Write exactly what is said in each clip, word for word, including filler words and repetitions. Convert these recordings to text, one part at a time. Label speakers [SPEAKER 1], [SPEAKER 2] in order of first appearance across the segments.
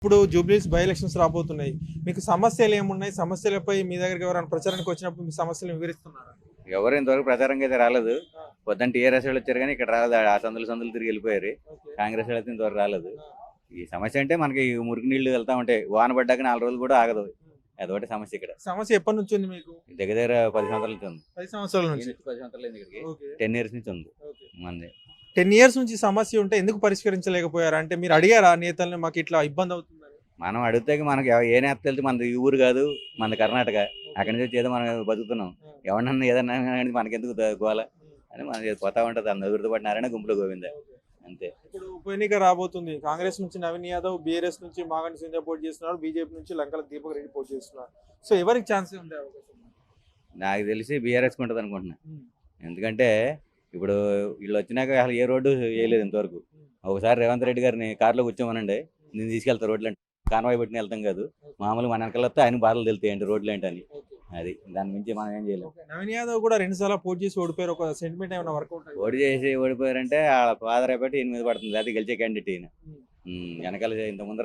[SPEAKER 1] ఇప్పుడు జూబ్లీస్ by elections రాబోతున్నాయి. మీకు సమస్యలు ఏమున్నాయి? సమస్యలపై మీ దగ్గరికి ఎవరైనా ప్రచారానికి వచ్చినప్పుడు మీ సమస్యలు వివరిస్తున్నారా?
[SPEAKER 2] ఎవరు ఇంతవరకు ప్రచారంగా అయితే రాలేదు. పొద్దున్న టీఆర్ఎస్ వాళ్ళు వచ్చారు కానీ ఇక్కడ రాలేదు. ఆ సందులు సందులు తిరిగి వెళ్ళిపోయారు. కాంగ్రెస్ వాళ్ళు అయితే ఇంతవరకు రాలేదు. ఈ సమస్య అంటే మనకి మురికి నీళ్లు వెళ్తా ఉంటాయి. వాన పడ్డాక నాలుగు రోజులు కూడా ఆగదు. అదొకటి సమస్య ఇక్కడ.
[SPEAKER 1] సమస్య ఎప్పటి నుంచి ఉంది మీకు?
[SPEAKER 2] దగ్గర దగ్గర పది సంవత్సరాల నుంచి ఉంది.
[SPEAKER 1] పది సంవత్సరాల నుంచి.
[SPEAKER 2] పది సంవత్సరాలు ఇక్కడికి టెన్ ఇయర్స్ నుంచి ఉంది మంది.
[SPEAKER 1] టెన్ ఇయర్స్ నుంచి సమస్య ఉంటే ఎందుకు పరిష్కరించలేకపోయారు? అంటే మీరు అడిగారా నేతల్ని మాకు ఇట్లా ఇబ్బంది అవుతుందని?
[SPEAKER 2] మనం అడిగితే మనకి ఏ నేత వెళ్తే మనది ఈ ఊరు కాదు, మన కర్ణాటక. అక్కడి నుంచి ఏదో మనం బతుకుతున్నాం. ఎవరన్నా ఏదన్నా కానీ మనకెందుకు గోల అని మనం పోతా ఉంటుంది. అంత గుర్తుపడినారనే గుంపులో గోవింద అంతే.
[SPEAKER 1] ఇప్పుడు ఉప ఎన్నిక రాబోతుంది. కాంగ్రెస్ నుంచి నవీన్ యాదవ్, బీఆర్ఎస్ నుంచి మాగంటి సింధ్యా పోటీ చేస్తున్నారు, బీజేపీ నుంచి లంకల దీపక్ రెడ్డి పోటీ చేస్తున్నారు. సో ఎవరికి ఛాన్స్ ఉండే అవకాశం?
[SPEAKER 2] నాకు తెలిసి బీఆర్ఎస్ ఉంటుంది అనుకుంటున్నా. ఎందుకంటే ఇప్పుడు వీళ్ళు వచ్చినాక అసలు ఏ రోడ్డు వేయలేదు ఇంతవరకు. ఒకసారి రేవంత్ రెడ్డి గారిని కార్లో కూర్చోమనండి, నేను తీసుకెళ్తా రోడ్లు అంటే కాన్వాయ్ పెట్టిన వెళ్తాం కాదు. మామూలుగా మన వెనకాల వస్తే ఆయన బాధలు తెలుతాయండి రోడ్లు ఏంటని. అది దాని మించి మనం ఏం చేయలేము.
[SPEAKER 1] నవీన్ యాదవ్ కూడా రెండు సార్లు పోటీ చేసి ఓడిపోయారు. ఒక సెంటిమెంట్ ఏమైనా వర్కౌట్
[SPEAKER 2] ఓడి చేసి ఓడిపోయారంటే వాళ్ళ ఫాదర్ అయిపోయి ఈయన మీద పడుతుంది. అది గెలిచే క్యాండిడేట్ ఈయన. వెనకాల ఇంత ముందర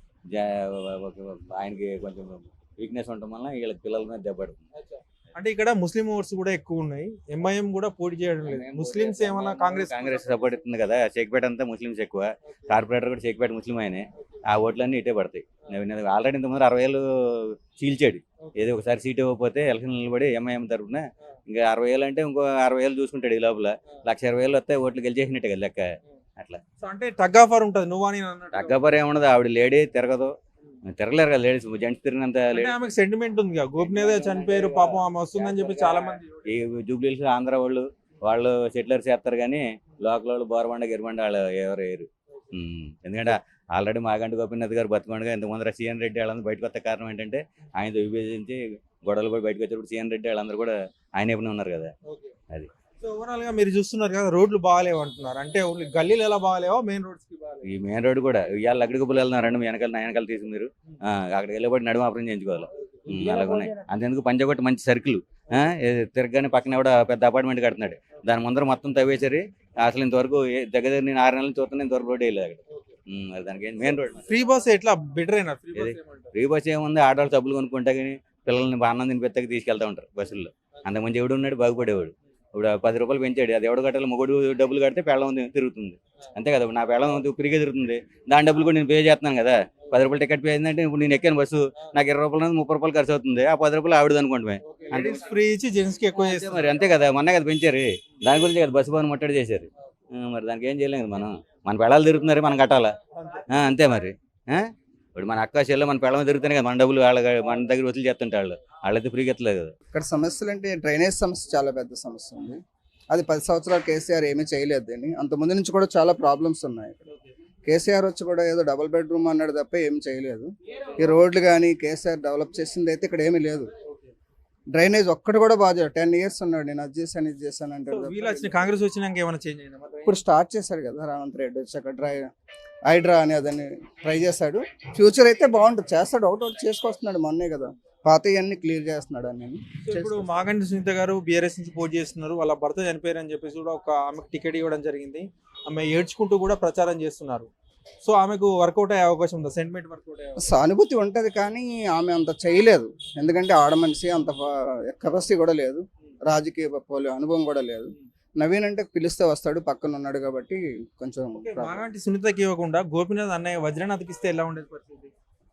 [SPEAKER 2] ఆయనకి కొంచెం వీక్నెస్ ఉండటం వల్ల వీళ్ళకి పిల్లల మీద దెబ్బపడుతుంది.
[SPEAKER 1] అంటే ఇక్కడ ముస్లిం ఓట్స్ కూడా ఎక్కువ ఉన్నాయి. ఎంఐఎం కూడా పోటీ చేయడం లేదు. ముస్లింస్ ఏమన్నా కాంగ్రెస్
[SPEAKER 2] కాంగ్రెస్ సపోర్ట్ ఇస్తుంది కదా. షేక్పేట అంతా ముస్లింస్ ఎక్కువ. కార్పొరేటర్ కూడా షేక్పేట ముస్లిం ఆయనే. ఆ ఓట్లన్నీ ఇటే పడతాయి. ఆల్రెడీ ఇంతకుముందు అరవై ఏళ్ళు చీల్చాడు. ఏదో ఒకసారి సీట్ ఇవ్వకపోతే ఎలక్షన్ నిలబడి ఎంఐఎం తరఫున ఇంకా అరవై ఏళ్ళు అంటే ఇంకో అరవై ఏళ్ళు చూసుకుంటాడు. ఈ లోపల లక్ష ఇరవై ఏళ్ళు వస్తే ఓట్లు గెలిచేసినట్టే కదా లెక్క. అట్లా
[SPEAKER 1] అంటే టగ్గాఫర్ ఉంటుంది. నువ్వు అని
[SPEAKER 2] టగ్గాఫర్ ఏముండదు. ఆవిడ లేడీ తిరగదు, తిరగలేరు కదా లేడీస్. జెంట్స్ తిరిగినంత
[SPEAKER 1] ఆమెకు సెంటిమెంట్ ఉంది. గోపినేదే చనిపోయారు పాపం, ఆమె వస్తుందని చెప్పి చాలా మంది.
[SPEAKER 2] ఈ జూబ్లీస్ ఆంధ్ర వాళ్ళు వాళ్ళు సెటిలర్స్ చేస్తారు కానీ లోకల్ వాళ్ళు బోరబండ గిరిబండ వాళ్ళు ఎవరు వేయరు. ఎందుకంటే ఆల్రెడీ మాగంటి గోపీనాథ్ గారు బతుకుండగా ఇంత ముందర సీఎన్ రెడ్డి వాళ్ళందరూ బయటకు వస్తే కారణం ఏంటంటే ఆయనతో విభజించి గొడవలు కూడా బయటకు వచ్చేప్పుడు సీఎన్ రెడ్డి వాళ్ళందరూ కూడా ఆయన వైపునే ఉన్నారు కదా. అది
[SPEAKER 1] సో ఓవరాల్ గా మీరు చూస్తున్నారు కదా, రోడ్లు బాగాలేవు అంటున్నారు. అంటే ఓన్లీ గల్లీలు ఎలా బాగాలేవో మెయిన్ రోడ్స్ కి బాగాలేవు.
[SPEAKER 2] ఈ మెయిన్ రోడ్ కూడా ఇవాళ లక్కడి గుబ్బలు వెళ్తున్నారండి. మీ వెనకాల నా వెనకాల తీసి మీరు అక్కడికి వెళ్ళబడి నడుమ ఆపరేషన్ చేయించుకోవాలి. అలాగే ఉన్నాయి. అంతెందుకు పంచగొట్టి మంచి సర్కిల్ తిరగగానే పక్కన కూడా పెద్ద అపార్ట్మెంట్ కడుతున్నాడు. దాని ముందర మొత్తం తవ్వేసరి అసలు ఇంతవరకు దగ్గర దగ్గర నేను ఆరు నెలలు చూస్తున్నా ఇంతవరకు రోడ్ వేయలేదు అక్కడ. మరి దానికి మెయిన్ రోడ్
[SPEAKER 1] ఫ్రీ బస్ ఎట్లా బెటర్ అయినా?
[SPEAKER 2] ఫ్రీ బస్ ఏముంది, ఆడవాళ్ళు సబ్బులు కొనుక్కుంటా కానీ పిల్లల్ని అన్నం తినిపెత్తకి తీసుకెళ్తా ఉంటారు బస్సుల్లో. అంతకుముందు ఎవడు ఉన్నాడు బాగుపడేవాడు. ఇప్పుడు పది రూపాయలు పెంచాడు. అది ఎవడు కట్టాలి? మొగుడు డబ్బులు కడితే పెళ్ళం తిరుగుతుంది అంతే కదా. నా పెళ్ళం ఫ్రీగా తిరుగుతుంది. దాని డబ్బులు కూడా నేను పే చేస్తున్నాను కదా. పది రూపాయలు టికెట్ పే అయిందంటే ఇప్పుడు నేను ఎక్కాను బస్సు, నాకు ఇరవై రూపాయలు ముప్పై రూపాయలు ఖర్చు అవుతుంది. ఆ పది రూపాయలు ఆవిడది అనుకోండి.
[SPEAKER 1] ఫ్రీ ఇచ్చి జెంట్స్ కి ఎక్కువ చేస్తే
[SPEAKER 2] మరి అంతే కదా. మొన్న కదా పెంచారు. దాని గురించి కదా బస్సు పని ముట్టడి చేశారు. మరి దానికి ఏం చేయలేదు మనం. మన పెళ్ళాలు తిరుగుతున్నారు, మనం కట్టాలా అంతే. మరి ఇప్పుడు మన అక్క చెల్లె మన పెళ్ళం తిరుగుతానే కదా మన డబ్బులు వాళ్ళ మన దగ్గర వసూలు చేస్తుంటే వాళ్ళు వాళ్ళైతే ఫ్రీగా ఎత్తలేదు కదా.
[SPEAKER 3] ఇక్కడ సమస్యలు అంటే డ్రైనేజ్ సమస్య చాలా పెద్ద సమస్య ఉంది. అది పది సంవత్సరాలు కేసీఆర్ ఏమీ చేయలేదు. అని అంత ముందు నుంచి కూడా చాలా ప్రాబ్లమ్స్ ఉన్నాయి. కేసీఆర్ వచ్చి కూడా ఏదో డబుల్ బెడ్రూమ్ అన్నాడు తప్ప ఏమి చేయలేదు. ఈ రోడ్లు కానీ కేసీఆర్ డెవలప్ చేసింది అయితే ఇక్కడ ఏమీ లేదు. డ్రైనేజ్ ఒక్కటి కూడా బాగా టెన్ ఇయర్స్ ఉన్నాడు. నేను అది చేశాను ఇది చేశాను అంటే
[SPEAKER 1] కాంగ్రెస్ వచ్చినాక ఏమైనా చేంజ్ అయిందా?
[SPEAKER 3] ఇప్పుడు స్టార్ట్ చేశారు కదా రేవంత్ రెడ్డి వచ్చాక డ్రై హైడ్రా అని అదని ట్రై చేశాడు. ఫ్యూచర్ అయితే బాగుంటుంది, చేస్తాడు. ఒకటి ఒకటి చేసుకొస్తున్నాడు. మొన్నే కదా పాత ఇవన్నీ క్లియర్ చేస్తున్నాడు అని.
[SPEAKER 1] ఇప్పుడు మాగంటి సునీత గారు బీఆర్ఎస్ నుంచి పోటీ చేస్తున్నారు. వాళ్ళ భర్త చనిపోయారు అని చెప్పేసి కూడా ఒక ఆమెకు టికెట్ ఇవ్వడం జరిగింది. ఆమె ఏడ్చుకుంటూ కూడా ప్రచారం చేస్తున్నారు. సో ఆమెకు వర్కౌట్ అయ్యే అవకాశం ఉందా? సెంటిమెంట్ వర్కౌట్ అయ్యే
[SPEAKER 3] సానుభూతి ఉంటుంది కానీ ఆమె అంత చేయలేదు. ఎందుకంటే ఆడ మనిషి అంత కెపాసిటీ కూడా లేదు, రాజకీయ అనుభవం కూడా లేదు. నవీన్ అంటే పిలిస్తే వస్తాడు, పక్కన ఉన్నాడు కాబట్టి కొంచెం.
[SPEAKER 1] మాగంటి సునీతకి ఇవ్వకుండా గోపీనాథ్ అన్నయ్య వజ్రనాథ్కి ఇస్తే ఎలా ఉండేది పరిస్థితి?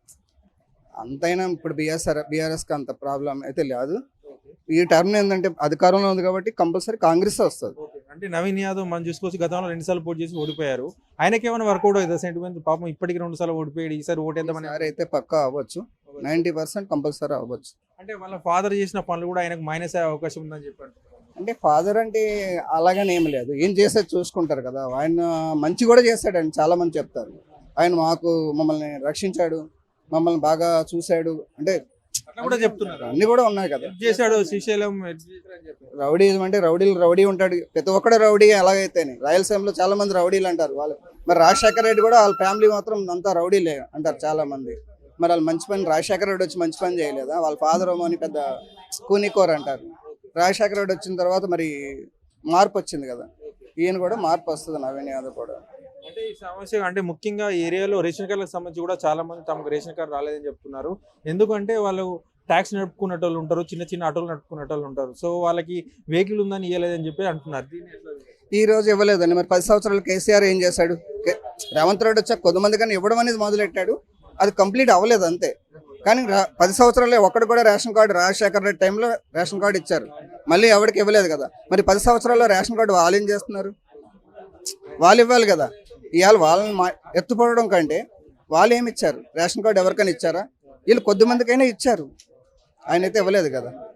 [SPEAKER 3] అంతైనా ఇప్పుడు బీఆర్ఎస్ బీఆర్ఎస్కి అంత ప్రాబ్లం అయితే లేదు. ఈ టర్మ్ ఏంటంటే అధికారంలో ఉంది కాబట్టి కంపల్సరీ కాంగ్రెస్ వస్తుంది.
[SPEAKER 1] అంటే నవీన్ యాదవ్ మనం చూసుకోవచ్చు, గతంలో రెండు సార్లు పోటీ చేసి ఓడిపోయారు. ఆయనకి ఏమైనా వర్కౌట్ అవుతుంది సెంటిమెంట్? పాపం ఇప్పటికి రెండు సార్లు ఓడిపోయాడు. ఈసారి ఓటు ఎంత
[SPEAKER 3] సార్ అయితే పక్కా అవ్వచ్చు, నైన్టీ పర్సెంట్ కంపల్సరీ అవ్వచ్చు.
[SPEAKER 1] అంటే వాళ్ళ ఫాదర్ చేసిన పనులు కూడా ఆయనకు మైనస్ అయ్యే అవకాశం ఉందని చెప్పారు.
[SPEAKER 3] అంటే ఫాదర్ అంటే అలాగని ఏం లేదు, ఏం చేసేది చూసుకుంటారు కదా. ఆయన మంచి కూడా చేశాడని చాలా మంది చెప్తారు. ఆయన మాకు మమ్మల్ని రక్షించాడు, మమ్మల్ని బాగా చూశాడు అంటే
[SPEAKER 1] కూడా చెప్తున్నారు.
[SPEAKER 3] అన్ని కూడా ఉన్నాయి కదా.
[SPEAKER 1] చేశాడు శ్రీశైలం.
[SPEAKER 3] రౌడీజం అంటే రౌడీలు రౌడీ ఉంటాడు, ప్రతి ఒక్కడు రౌడీ. ఎలాగైతేనే రాయలసీమలో చాలా మంది రౌడీలు అంటారు వాళ్ళు. మరి రాజశేఖర రెడ్డి కూడా వాళ్ళ ఫ్యామిలీ మాత్రం అంతా రౌడీలే అంటారు చాలా మంది. మరి వాళ్ళు మంచి పని, రాజశేఖర రెడ్డి వచ్చి మంచి పని చేయలేదా? వాళ్ళ ఫాదర్ ఏమో అని పెద్ద కూనికోర్ అంటారు. రాజశేఖర రెడ్డి వచ్చిన తర్వాత మరి మార్పు వచ్చింది కదా. ఈయన కూడా మార్పు వస్తుంది, నవీన్ యాదవ్ కూడా.
[SPEAKER 1] అంటే ఈ సమస్య అంటే ముఖ్యంగా ఈ ఏరియాలో రేషన్ కార్డులకు సంబంధించి కూడా చాలా మంది తమకు రేషన్ కార్డు రాలేదని చెప్తున్నారు. ఎందుకంటే వాళ్ళు ట్యాక్స్ నడుపుకునే వాళ్ళు ఉంటారు, చిన్న చిన్న ఆటోలు నడుపుకునే వాళ్ళు ఉంటారు. సో వాళ్ళకి వెహికల్ ఉందని ఇవ్వలేదని చెప్పి అంటున్నారు. దీన్ని ఎట్లా చూస్తారు?
[SPEAKER 3] ఈ రోజు ఇవ్వలేదండి. మరి పది సంవత్సరాలు కేసీఆర్ ఏం చేశాడు? కే- రేవంత్ రెడ్డి వచ్చాక కొంతమంది కానీ ఇవ్వడం అనేది మొదలెట్టాడు, అది కంప్లీట్ అవ్వలేదు అంతే. కానీ రా- పది సంవత్సరాలే ఒక్కడు కూడా రేషన్ కార్డు రాజశేఖర రెడ్డి టైంలో రేషన్ కార్డు ఇచ్చారు, మళ్ళీ ఎవరికి ఇవ్వలేదు కదా. మరి పది సంవత్సరాల్లో రేషన్ కార్డు వాళ్ళు ఏం చేస్తున్నారు? వాళ్ళు ఇవ్వాలి కదా. ఇవాళ వాళ్ళని మా ఎత్తుపడడం కంటే వాళ్ళు ఏమి ఇచ్చారు? రేషన్ కార్డు ఎవరికైనా ఇచ్చారా? వీళ్ళు కొద్ది మందికైనా ఇచ్చారు, ఆయన అయితే ఇవ్వలేదు కదా.